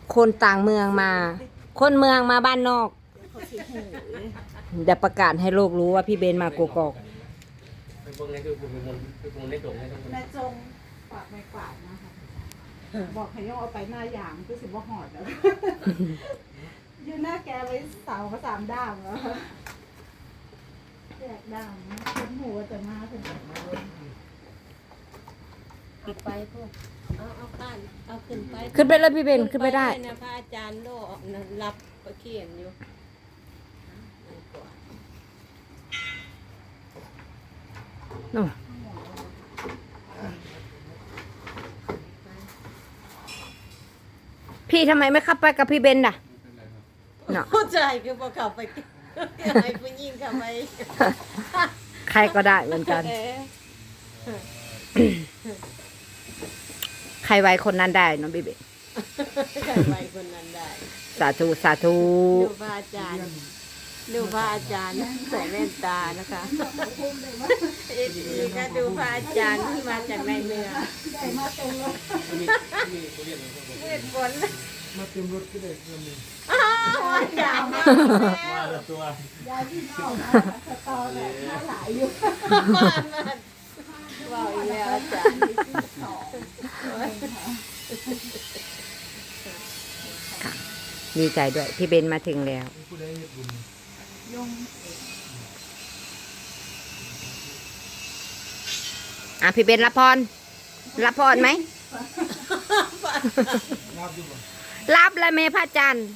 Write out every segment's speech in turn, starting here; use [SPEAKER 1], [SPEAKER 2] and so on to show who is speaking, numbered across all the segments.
[SPEAKER 1] คนต่างเมืองมา คนเมืองมาบ้านนอก
[SPEAKER 2] เขาสิหูเลย
[SPEAKER 1] เดี๋ยวประกาศให้โลกรู้ว่าพี่เบนมากกอก
[SPEAKER 3] ไปเบิ่งในคือเป็นคนเป็นคนในตรงในตรง
[SPEAKER 2] แม่จงฝากไม่กวาดนะคะบอกให้ย่องเอาไปหน้าหยางคือสิบ่หอดแล้วยืนหน้าแกไว้เสาก็3 ด้ามแล้วแจกด้ามคนหูจะมาถึง
[SPEAKER 4] เอาไปพวกเอาบ้านเอาขึ้นไป
[SPEAKER 1] ขึ้นไปเลยพี่เบนขึ้นไปได้
[SPEAKER 4] นะพระอาจารย์โลนะรับประเขียนอยู่
[SPEAKER 1] นู่นพี่ทำไมไม่ขับไปกับพี่เบนน่ะเนาะ
[SPEAKER 4] เข้าใจคือพอเข้าไปให้ผู้หญิงเข้าไป
[SPEAKER 1] ใครก็ได้เหมือนกัน ใครไว้คนนั้นได้เนาะพี่เบน
[SPEAKER 4] ใครไว้คนนั้นได้
[SPEAKER 1] สาธุสาธุ
[SPEAKER 4] ดูพระอาจารย์ดูพระอาจารย์ใส่แว่นตานะคะอีกก็ดูพระอาจารย์ที่มาจากในเมือง
[SPEAKER 2] ได้มาตรงเลย
[SPEAKER 3] มีคนเรียนเขาบอก
[SPEAKER 4] เวทฝน
[SPEAKER 3] มาเต็มรถก็ได้เพิ่มนึง
[SPEAKER 4] อาจารย์มา
[SPEAKER 3] มาแล้วตัวย
[SPEAKER 2] ายพี่น้องนะสตอแบบน่าหลายอยู่
[SPEAKER 4] บ้านมันว่าอีกแล้วอาจารย์
[SPEAKER 1] ดีใจด้วยพี่เบนมาถึงแล้ว
[SPEAKER 3] ผู้ใดเฮ็ดบุญ
[SPEAKER 2] ยง
[SPEAKER 1] พี่เบนรับพรรับพรไหม
[SPEAKER 3] รับอยู่บ่
[SPEAKER 1] รับแล้วแม่พระอาจันทร์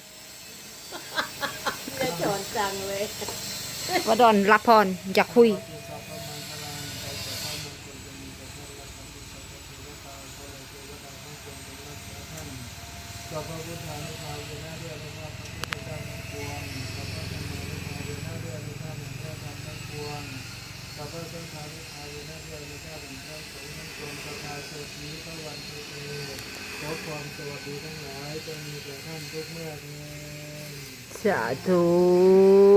[SPEAKER 4] จะสอนจังเลย
[SPEAKER 1] วดอนรับพรอยากคุย
[SPEAKER 3] สัพพะพุทธานุภาเวนะเดือนุภาพพระพุทธเจ้าทั้งปวงสัพพะธรรมานุภาเวนะเดือนุภาพแห่งพระธรรมทั้งปวงสัพพะสังฆานุภาเวนะเดือนุภาพแห่งพระสงฆ์ทั้งปวงประกาศสดนี้พระวันตุเตขอความสวัสดีทั้งหลายจงมีแก่ท่านทุกเมื่อเทอญ
[SPEAKER 1] สาธุ